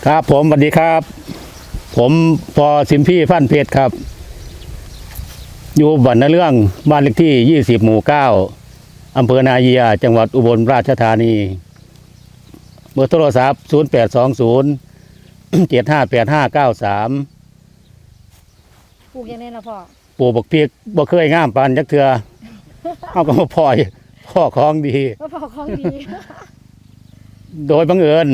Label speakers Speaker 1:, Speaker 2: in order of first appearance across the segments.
Speaker 1: ครับผมสวัสดีครับผมพอสิมพี่พันเพชรครับอยู่บ้านนาเรื่องบ้านเลขที่20หมู่9อำเภอนาเยียจังหวัดอุบลราชธานีเบอร์โทรศัพท์0820 758593
Speaker 2: ปลูกยังไงล่ะพ่อ
Speaker 1: ปลูกบักพริกบ่เคยงามปานจักเทื่อเอาก็มาพ่อของดี
Speaker 2: ว่าพ่อของดี
Speaker 1: โดยบังเอิญ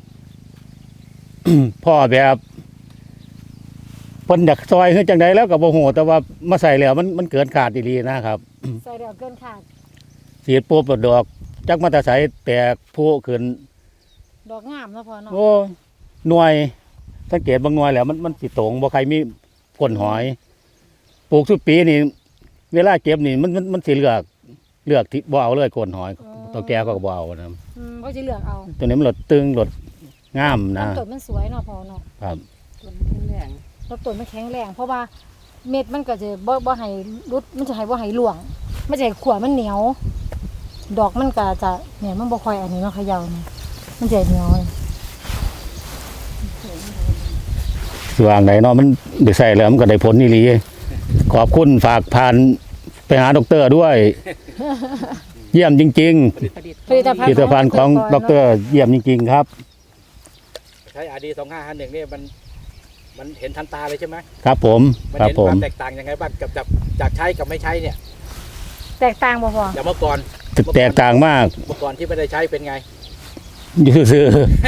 Speaker 1: พ่อแบบเพิ่นอยากซอยคือจังไดแล้วก็บ่ฮู้แต่ว่ามาใส่แล้วมันเกินขาดอีหลีนะครับ
Speaker 2: ใส่เดี๋ยวเกินขาด
Speaker 1: สีดปุ๊บดอกจักมาแต่ใสแตกพุขึ้น
Speaker 2: ดอกงามแล้วพ่อเนาะ
Speaker 1: โอ้หน่วยสังเกตบางหน่วยแล้วมันสิตรงบ่ใครมีก้นหอยปลูกทุกปีนี่เวลาเก็บนี่มันสิเลือกที่บ่เอาเลยก้นหอยตัวแก่ก็บ่เอานะ
Speaker 2: เขาจะเลือกเอา
Speaker 1: ตัวนี้มันหลดตึงหลดงามนะ
Speaker 2: ต้นมันสวยเนาะพ่อเนาะ
Speaker 1: ครับ
Speaker 2: ต้นแข็งแรงต้นมันแข็งแรงเพราะว่าเม็ดมันก็จะบ่ให้รุดมันจะให้บ่ให้หลวงมันจะให้ขวมันเหนียวดอกมันก็จะเนี่ยมันบ่ค่อยอันนี้เนาะเขย่านี่มันจะเหนียว
Speaker 1: สว่างไหนเนาะมันได้ใส่แล้วมันก็ได้ผลนี่ลีขอบคุณฝากผ่านไปหาดร.ด้วย เยี่ยมจริงๆผลิตภัณฑ์ของดร.เยี่ยมจริงๆครับ
Speaker 3: ใช้RD 2551นี่มันเห็นทันตาเลยใช่ไหม
Speaker 1: ครับผม
Speaker 3: มันเห็นความแตกต่างยังไงบ้างกับจากใช้กับไม่ใช้เนี่ย
Speaker 2: แตกต่างบ่พอ
Speaker 3: จากเมื่อก่อน
Speaker 1: แตกต่างมาก
Speaker 3: เมื่อก่อนที่ไม่ได้ใช้เป็นไง
Speaker 1: อยู่ซื่อ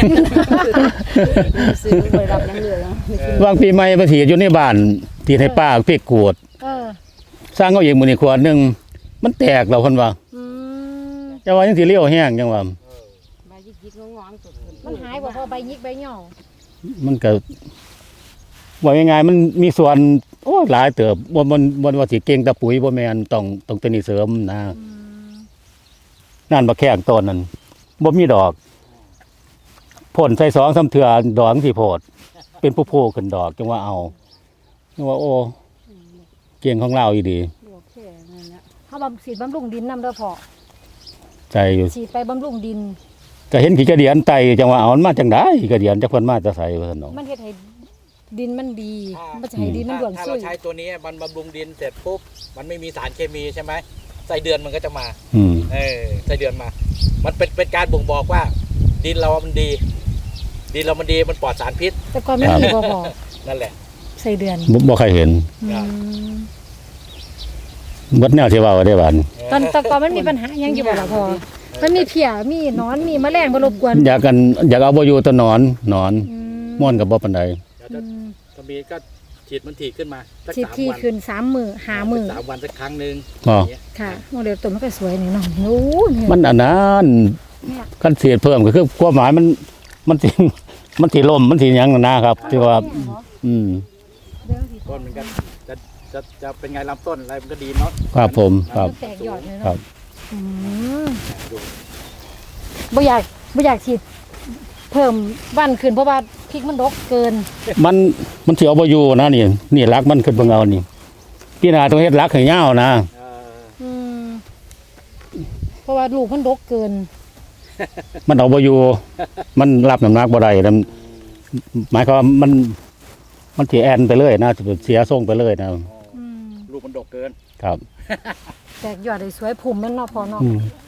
Speaker 2: ไปรับยังเหลือ
Speaker 1: วางปีใหม่มาถีอยู่ในบ้านที่ให้ป้าพริกกวดสร้างเอาเองมื้อนี้ขวดนึงมันแตกแล้วเพิ่นว่าจังว่าจังสิเลี้ยวแห้งจังว่า
Speaker 2: ใบยิกๆงองๆมันหายบ่พอใบยิกใบหย่อ
Speaker 1: มันก็ว่ายังไงมันมีส่วนโอ้หลายเติบบ่ว่าสิเก่งแต่ปุ๋ยบ่แม่นต้องเป็นนี่เสริมนะนั่นบักแข้งต้นนั่นบ่มีดอกพ่นใส่2-3เทื่อดอกสิโพดเป็นผู้โพขึ้นดอกจังว่าเอาจังว่าโอ้เก่งของเราอีดี
Speaker 2: เฮาฉีดบำรุงดินนำเด้อพ่อ
Speaker 1: ใจอยู่
Speaker 2: ฉีดไปบำรุงดิน
Speaker 1: ก็เห็นขี้กระเดียนไตจังว่าเอามันมาจังได๋กระเดียนจักเพิ่นมาจะใส่เพิ่นเนาะ
Speaker 2: มันเฮ็ดให้ดินมันดีมันจะให้ดินมันร่วนซุย
Speaker 3: ถ้าเราใช้ตัวนี้มันบำรุงดินเสร็จปุ๊บมันไม่มีสารเคมีใช่ไหมไส้เดือนมันก็จะมาไส้เดือนมามันเป็นการบ่งบอกว่าดินเรามันดีมันปลอดสารพิษ
Speaker 2: แต่ก่อนไม่มีบ่พอ
Speaker 3: นั่นแหละ
Speaker 2: ไส้เดือน
Speaker 1: บ่เคยเห็นเบิดแนวที่ว่าได้บาด
Speaker 2: ตอนก่อนมันมีปัญหายังอยู่บ่ล่ะพ่อมันมีเพี้ยมีหนอนมีแมลงมารบกวน
Speaker 1: อยากเอาบ่อยู่ตัวหนอนม่วนก็บ่ปานใด
Speaker 3: ถ้ามีก็ฉีดมันถี่ขึ้นมา
Speaker 2: ฉีดที่ขึ้น3มื้อ5มื้อ
Speaker 3: 3วันสักครั้งนึง
Speaker 2: ค่ะโมเดลต้นมันก็สวยนี่เนาะโอ้
Speaker 1: มันอันนั้นคันเสียดเพิ่มก็คือความหมายมันสิล่มมันสิหยังนะครับที่ว่า
Speaker 3: ต้นมันก็จะเป็นไงลำต้นอะไรมันก็ดีเนาะ
Speaker 1: ครับผมครับ
Speaker 2: แตกยอดเลยเนาะบ่อยากฉีดเพิ่มวันขึ้นเพราะว่าพริกมันดกเกิน
Speaker 1: มันสิเอาบ่อยู่นะนี่รักมันขึ้นเบิ่งเอานี่พี่นาต้องเฮ็ดรักให้ยาวนะ
Speaker 2: เพราะว่าลูกมันดกเกิน
Speaker 1: มันเอาบ่อยู่มันรับน้ำหนักบ่ได้หมายความว่ามันสิแอนไปเลยนะเสียทรงไปเลยนะ
Speaker 3: ลูกมันดกเกิน
Speaker 1: ครับ
Speaker 2: แตกยอดได้สวยพุ่มมันเนาะพอเนาะ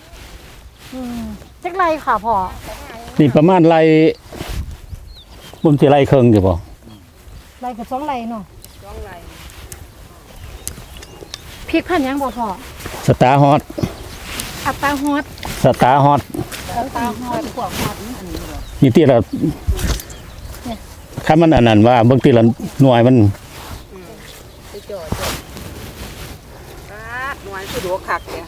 Speaker 2: จักไรค่ะพ่อ
Speaker 1: นี่ประมาณไรบ่สิไรครึ่งอยู่บ่
Speaker 2: ไรกับ2ไรเนาะ2ไรพริกพันยังบ่พ่อ
Speaker 1: สตาร์ฮอต
Speaker 2: อัตตาฮอต
Speaker 1: สตาร์ฮอต
Speaker 2: พวกฮอต
Speaker 1: นี่ที่ละคันมันอันนั้นว่าเบิ่งที่ละหน่วยมัน
Speaker 4: ไปจ่อหน่วยคือดวคักเนี่ย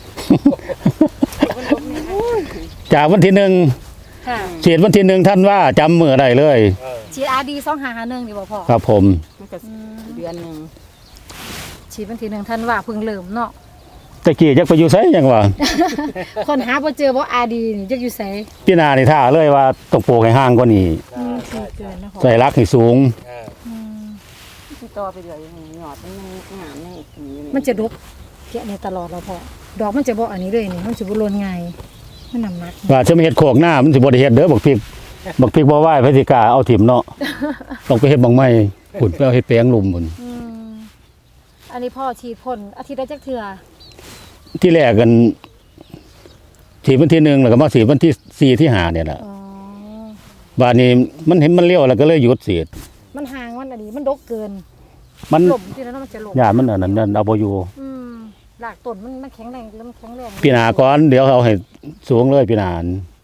Speaker 1: จากวันที่1ฉีดวันที่1ท่านว่าจำมื้อได้เลย
Speaker 2: ฉีดRD 2551นี่บ่พ่อ
Speaker 1: ครับผม
Speaker 4: เดือนนึง
Speaker 2: ฉีดวันที่1ท่านว่าเพิ่งเริ่มเนาะ
Speaker 1: ตะกี้จักไปอยู่ไสจังว่า
Speaker 2: คนหาบ่เจอบ่RDนี่จักอยู่ไส
Speaker 1: พี่นานี่ท่าเลยว่าต้องปลูกให้ห่างกว่านี้ใส่รักให้สูง
Speaker 4: ต่อไปเรื่อยหยอดมันงาม
Speaker 2: มันจะดกแกะในตลอดแล้วพอดอกมันจะบ่อันนี้เลยนี่มันสิบ่หล่นง่ายมันน้ำหนัก
Speaker 1: ว่าจะมาเฮ็ดโคกหน้ามันสิบ่ได้เฮ็ดเด้อบักพริกบักพริกบ่ไหวพฤศจิกาเอาถิ่มเนาะ ต้องไปเฮ็ดบังไม้พุ่นไปเอาเฮ็ดแปลงลุมพุ่น
Speaker 2: อืมอันนี้พ่อฉีดพ่นอาทิตย์ละจักเทื่อ
Speaker 1: ที่แรกกันฉีดวันที่1แล้วก็มาฉีดวันที่4ที่5เนี่ยแหละ
Speaker 2: อ๋อ
Speaker 1: บาดนี้มันเห็นมันเลี้ยวแล้วก็เลยหยุดฉีด
Speaker 2: มันห่างมันอันนี้มันดกเกิน
Speaker 1: มัน
Speaker 2: หล่มที่แล้วมันจะหล่ม
Speaker 1: ญาติมันอันนั้นเอาบ่อยู่
Speaker 2: หลากต้นมันแข็งแรงแล้วมันแข็งแรง
Speaker 1: ปีหน้าก่อนเดี๋ยวเอาให้สูงเลยปีหน้า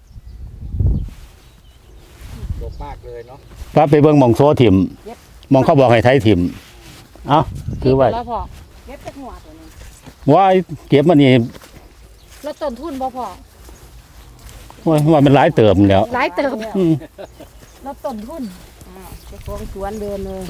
Speaker 3: ดกมากเลยเนาะ
Speaker 1: ปั๊บไปเบิ่งหม่องโซถิ่มหมองเขาบอกให้ไถถิ่มเอ้าคือไว้
Speaker 2: แล้วพอ
Speaker 4: เก็บจากหัวตัวนี้
Speaker 1: ว่าเก็บมันนี่
Speaker 2: แล้วต้นทุนบ่พอ
Speaker 1: ว่ามันหลายเติมแล้ว
Speaker 2: หลายเติม
Speaker 1: อืม
Speaker 2: แล้วต้นทุน
Speaker 4: เจ้าของสวนเดินเลย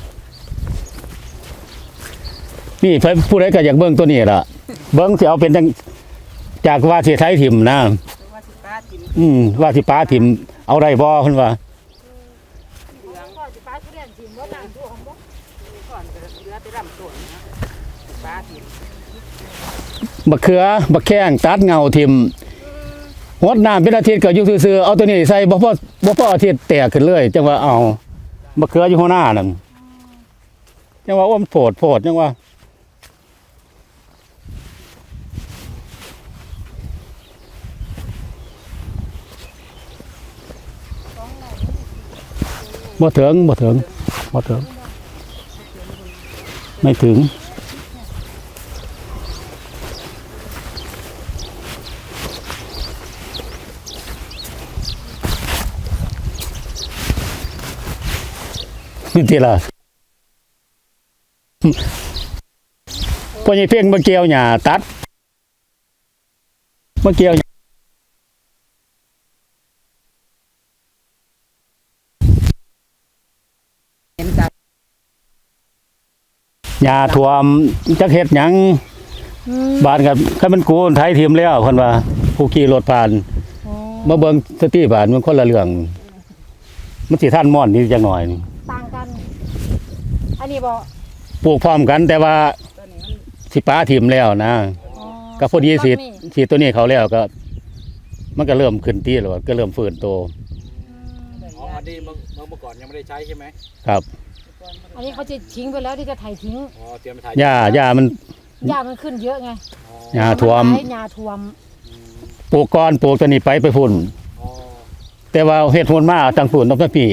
Speaker 1: นี่ผู้ใดก็อยากเบิ่งตัวนี้ล่ะ เบิ่งสิเอาเป็นจังจากว่าสิไถถิ่มนะ
Speaker 4: ว่าสิป้ากิน
Speaker 1: ว่าสิป้าถิ่มเอาได้บ่เพิ่นว่า
Speaker 2: พ่อสิป้าทุเรียนสิบ่น้ำท่วมบ่
Speaker 4: ก่อนก็เหลือแต่ลำต้นนะป้ากิน
Speaker 1: บักเขือบักแข้งตัดเงาถิ่มหดน้ำเป็นอาทิตย์ก็อยู่ซื่อๆเอาตัวนี้ใส่บ่พออาทิตย์แตกขึ้นเลยจังว่าเอาบักเขืออยู่หัวหน้านั่นจังว่ามันโพดจังว่าบ่ถึงไม่ถึงนี่ทีละพอใหญ่เพ่งมาเกี่ยวหญ้าตัดมาเกี่ยว
Speaker 4: เห็นกัน
Speaker 1: หญ้าท่วมจักเฮ็ดหยังบ้านกับคันมันกูไถทีมแล้วเพิ่นว่าผู้ขี่รถผ่านมาเบิ่งสติบ้านมันคนละเรื่องมันสิทันม่อนนี่จังหน่อย
Speaker 2: ต่างกัน อันนี้บ่
Speaker 1: ปลูกพร้อมกันแต่ว่า
Speaker 4: ตัวนี้มัน
Speaker 1: สิป้าทีมแล้วนะ
Speaker 2: อ๋อ
Speaker 1: ก็พอดีสิ
Speaker 2: ต้นนี้
Speaker 1: สิตัวนี้เขาแล้วก็ มันก็เริ่มขึ้นที่แล้วก็เริ่มฟื้นโต
Speaker 3: อ๋ออันนี้เมื่อก่อนยังไม่ได้ใช้ใช่ไหม
Speaker 1: ครับ
Speaker 2: อันนี้เขาจะทิ้งไปแล้วที่จะไถทิ้ง
Speaker 3: อ๋อเตรียมไปถ่าย
Speaker 1: หญ้ามัน
Speaker 2: หญ้ามันขึ้นเยอะไง
Speaker 3: อ๋อ
Speaker 1: หญ้าท่วม
Speaker 2: หญ้าท่วม
Speaker 1: ปลูกก่อนปลูกตัวนี้ไปพุ่น
Speaker 3: อ๋อ
Speaker 1: แต่ว่าเฮ็ดหุ่นมาตั้งฝุ่นต้องพี่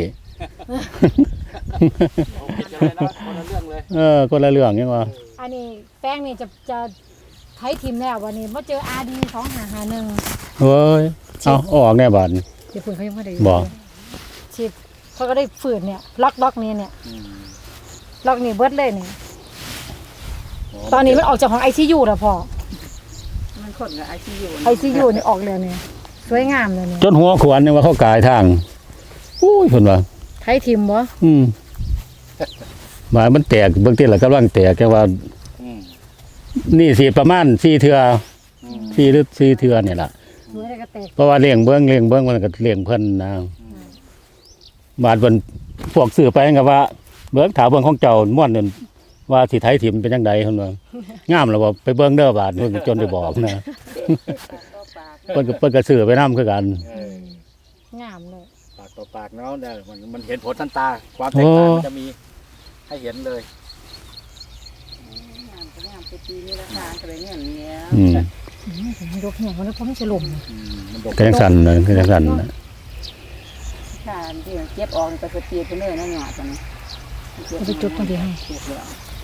Speaker 3: เอาผิดกันเลยนะคนละเรื่องเลย
Speaker 1: คนละเรื่องยังว่า
Speaker 2: อันนี้แป้งนี่จะไถทิมแล้ววันนี้มาเจอ RD 2551
Speaker 1: เฮ้ยเอาออกแน่บาดนี้
Speaker 2: เดี๋ยวเพิ่นเขายังไม่ได้
Speaker 1: บ่
Speaker 2: ฉีดเขาก็ได้ฝืนเนี่ยล็อกนี้เนี่ย
Speaker 3: อืม
Speaker 2: ล็อกนี่เบิดเลยเนี่ยตอนนี้มันออกจากของ ICU แล้วพ่อ
Speaker 4: มันคนกับไอซียู
Speaker 2: ICU นี่ออกแล้วเนี่ยสวยงามเลยเนี่ย
Speaker 1: จนหัวขวานนี่ว่าเขากายทางอุ้ยเพิ่นว่า
Speaker 2: ไถทิมบ่
Speaker 1: หมายมันแตกเบื้องต้นแล้วกำลังแตกแค่ว่า
Speaker 3: อืม
Speaker 1: นี่สิประมาณ4เทื่อ4หรือ4เทื่อนี่ล่ะ
Speaker 2: สวยแล้วก็แตก
Speaker 1: เพราะว่าเลี้ยงเบิ่งมันก็เลี้ยงเพิ่นนะบาดเพิ่นพวกซื้อไปก็ว่าเบิ่งถามเบิ่งของเจ้าม่วนนั่นว่าสิไถถิ่มเป็นจังไดเพิ่นว่างามแล้วบ่ไปเบิ่งเด้อบาดเพิ่นก็จนได้บอกนะ
Speaker 4: ต่อปาก
Speaker 1: เพิ่นก็ซื้อไปนำคือกัน
Speaker 3: เออง
Speaker 2: ามเลย
Speaker 3: ปากต่อปากเนาะเนี่ยมันเห็นผลทันตา ความแตกต่างมันจะมีให้เห็นเลย
Speaker 4: งามก็งามไปปีนี้ราคาก็เลยเงี้ยเนี้ย
Speaker 1: อืม
Speaker 2: ยกแหงมันแล้วเพราะมันจะหล่ม
Speaker 3: มันดก
Speaker 1: ก็จังสั่นเลยก็จังสั่นน่ะ
Speaker 4: ค่ะที่เก็บออกนี่ก็จะตีไปเลยนะหยอดตัวนี้
Speaker 2: เอาไปจุดตรงนี้ให้
Speaker 4: เก็บแล้ว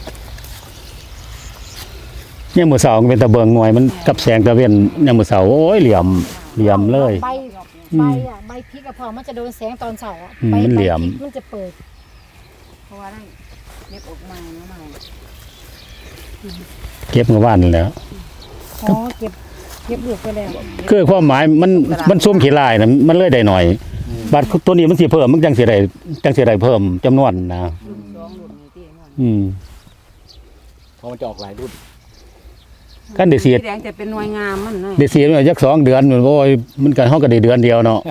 Speaker 1: ยามมื้อเช้าก็เป็นตะเบิงหน่วยมันกับแสงตะเวนยามมื้อเช้าโอ้ยเหลี่ยมเลย
Speaker 2: ใบอ่ะใบพริกอะพอมันจะโดนแสงตอนเช้าอ่ะ
Speaker 1: อืม
Speaker 2: ใบ
Speaker 1: มันเหลี่ยม
Speaker 2: ใบพริกมันจะเปิด
Speaker 4: เพราะว่าได้เก็บออกมาเนาะใหม่
Speaker 1: เก็บเมื่อวานนั่นแหล้ว
Speaker 2: อ๋อเก็บลูกไปแล้ว
Speaker 1: คือความหมายมันซุ่มขี้ลายน่ะมันเลยได้หน่อยบัดตัวนี้มันสิเพิ่มมันจังสิได้เพิ่มจำนวนนะ
Speaker 4: รุ่นสองรุ่นนี้ที่มัน
Speaker 1: อืม
Speaker 3: เพราะมันจะออกหลายรุ่น
Speaker 1: กันได้เสีย
Speaker 4: สีแดงจะเป็นหน่วยงามมันเลย
Speaker 1: ได้เสียมาจัก2 เดือนโอ้ยมันก็เฮาก็ได้เดือนเดียวเนาะ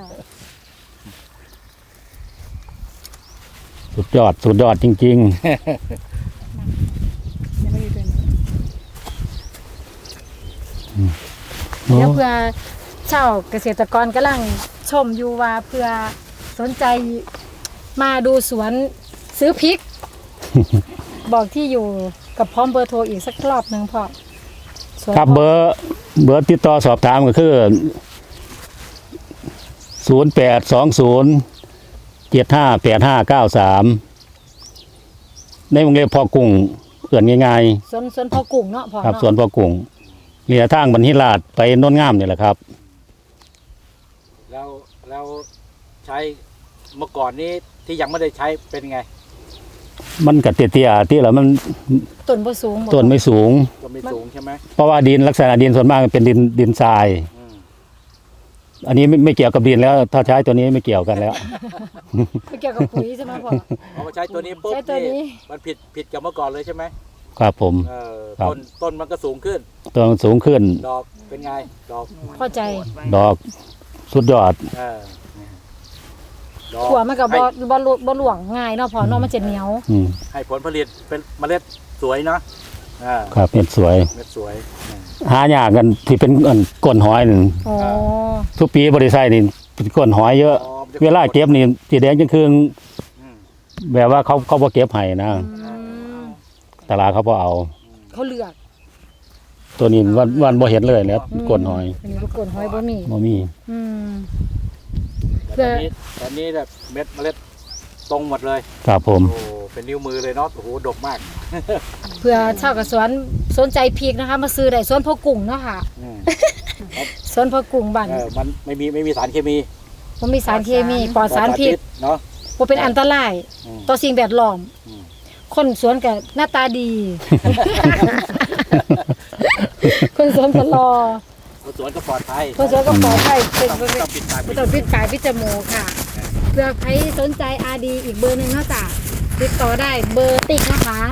Speaker 1: สุดยอดจริง
Speaker 2: ยังไม่ได้เป็น
Speaker 1: ๆ
Speaker 2: เดี๋ยวเพื่อชาวเกษตรกรกำลังชมอยู่ว่าเพื่อสนใจมาดูสวนซื้อพริก บอกที่อยู่กับพร้อมเบอร์โทรอีกสักรอบหนึ่งพ่อสวน
Speaker 1: ครับเบอร์ติดต่อสอบถามก็คือ0820758593ในวงเล็บพอกุ้งเอื่นง่าย
Speaker 2: สวนพ่อกุ้งเนาะพ่อ
Speaker 1: ๆครับ
Speaker 2: เนาะ
Speaker 1: สวนพอกุ้งเรียทางบรรทิราชไปโน่นงามนี่แหละครับ
Speaker 3: แล้วใช้เมื่อก่อนนี้ที่ยังไม่ได้ใช้เป็นไง
Speaker 1: มันกัดเตี้ยๆที่แล้วมัน
Speaker 2: ต้นบ่สูงบ่
Speaker 1: ต้นไม่สูง
Speaker 3: ก็ไม่สูงใช่ไหม
Speaker 1: เพราะว่าดินลักษณะดินส่วนมากมันเป็นดินทราย
Speaker 3: อืม
Speaker 1: อันนี้ไม่เกี่ยวกับดินแล้ว ถ้าใช้ตัวนี้ไม่เกี่ยวกันแล้ว
Speaker 2: ไม่เกี่ยวกับปุ๋ยใช่ไหมพ่อ
Speaker 3: พอมาใช้ตัวนี้ปุ๊บ
Speaker 2: ใช้ตัวนี้
Speaker 3: มันผิดกับเมื่อก่อนเลยใช่ไหม
Speaker 1: ครับผม ครับ
Speaker 3: ต้นมันก็สูงขึ้น
Speaker 1: ตัวมันสูงขึ้น
Speaker 3: ดอกเป็นไงดอก
Speaker 2: เข้าใจ
Speaker 1: ดอกสุดยอด
Speaker 3: เออดอก
Speaker 2: ขัวมันก็
Speaker 3: ให้
Speaker 2: บ่หลวงง่ายเนาะพ่อเนาะมันจะเหนียว
Speaker 1: อืม
Speaker 3: ให้ผลผลิตเป็นเมล็ดสวยเนาะอ่า
Speaker 1: ครับเห็ดสวย
Speaker 3: เมล็ดสวย
Speaker 1: หายากกันที่เป็นก้นหอยนี่
Speaker 2: อ๋อ
Speaker 1: ทุกปีบริษัทนี่เป็นก้นหอยเยอะ
Speaker 3: อ๋อมันจะ
Speaker 1: เวลาเก็บนี่สีแดงจังคืน
Speaker 3: อืม
Speaker 1: แบบว่าเขาบ่เก็บให้นะ
Speaker 2: อืม
Speaker 1: ตลาดเขาบ่เอา
Speaker 2: เขาเลือก
Speaker 1: ตัวนี้วันบ่เห็นเลยแล้วก้นหอย
Speaker 2: อันนี้ลูกก้นหอยบ่มี
Speaker 1: บ่มี
Speaker 2: อืม เพื่
Speaker 3: แต่
Speaker 2: อ
Speaker 3: ตอนนี้แบบเม็ดเมล็ดตรงหมดเลย
Speaker 1: ครับผม
Speaker 3: โอ้เป็นนิ้วมือเลยเนาะโอ้โหดกมาก
Speaker 2: เพื่อชาวกับสวนสนใจพริกนะคะ มาซื้อได้สวนพ่อกุ้งเนาะค่ะ
Speaker 3: อืม
Speaker 2: สวนพ่อกุ้งบ้าน
Speaker 3: มันไม่มีสารเคมี
Speaker 2: บ่มีสารเคมีปลอดสารพิษ
Speaker 3: เนาะ
Speaker 2: บ่เป็นอันตราย
Speaker 3: อืม
Speaker 2: ต่อสิ่งแวดล้อม
Speaker 3: อืม
Speaker 2: คนสวนก็หน้าตาดี คนสวนก็รอ
Speaker 3: คนสวนก็ปลอดภัย
Speaker 2: คนสวนก็ปลอดภัยเป็น
Speaker 3: ต้องปิดปาก
Speaker 2: บ่ต้องปิดปากปิดจมูกค่ะ เพื่อใครสนใจ RD อีกเบอร์หนึงเนาะจ้ะติดต่อได้เบอร์ติ๊กนะคะ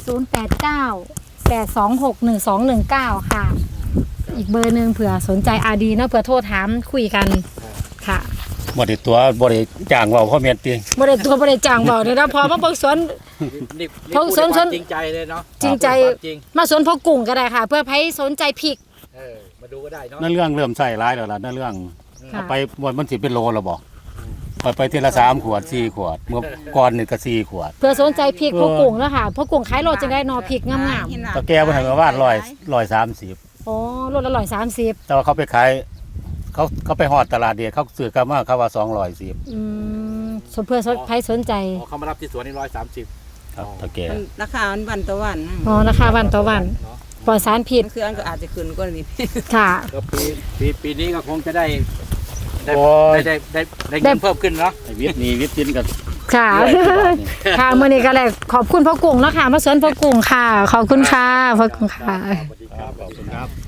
Speaker 2: 089-826-1219 ค่ะ อีกเบอร์หนึงเผื่อสนใจ RD เนาะเผื่อโทรถามคุยกันค่ะ
Speaker 1: บ่ได้ตัวบ่ได้จ้างเว้าเพราะเม็ดติ
Speaker 2: บ่ได้ตัวบ่ได้จ้างบอกเลยนะพอมาเบิ่งสวน
Speaker 3: นี่
Speaker 2: เพราะ
Speaker 3: พูด
Speaker 2: สน
Speaker 3: ด้วยความจริงใจเลยเนาะ
Speaker 2: จริงใจ
Speaker 3: ความจริง
Speaker 2: มาสวนพ่อกุ้งก็ได้ค่ะ เพื่อใครสนใจพริก
Speaker 3: มาดูก็ได้เนาะ
Speaker 1: นั่นเรื่องเริ่มใส่ร้ายแล้วล่ะนั่นเรื่อง
Speaker 2: ค่ะ
Speaker 1: เอาไปวันมันสิเป็นโลแล้วบ่ไปทีละ3ขวด4ขวด เมื่อก่อนนี่ก็4ขวด
Speaker 2: เพื่อสนใจพริกพ่อกุ้งแล้วค่ะพ่อกุ้งขายโลจังได้นอพริกงาม
Speaker 1: ตะแกบ่ให้มาว่า130
Speaker 2: ๆอ๋อโลละ130
Speaker 1: แต่ว่าเขาไปขายเขาไปฮอดตลาดเดียวเขาซื้อกลับมาเขาว่า210
Speaker 2: อืมสมเพื่อใครสนใจ
Speaker 3: อ๋อเขามารับที่สวนนี่130
Speaker 1: ครับตะแก
Speaker 4: มันราคามันวันต่อวันนะ
Speaker 2: อ๋อราคาวันต่อวัน
Speaker 3: เนาะ
Speaker 2: ปลอดสารพิษ
Speaker 4: คืออันก็อาจจะขึ้นกว่านี้
Speaker 2: ค่ะ
Speaker 3: ก็ปีนี้ก็คงจะได้
Speaker 1: โอ้ย
Speaker 3: ได้เงินเพิ่มขึ้นเนาะ
Speaker 1: วิทย์นี่วิทย์จินกัน
Speaker 2: ค่ะ ค่ะมื้อนี้ก็เลยขอบคุณพ่อกุ้งเนาะค่ะมาสวนพ่อกุ้งค่ะ ขอบคุณค่ะพ่อกุ้งค่ะ
Speaker 3: สวัสดีครับ
Speaker 1: ขอบคุณครับ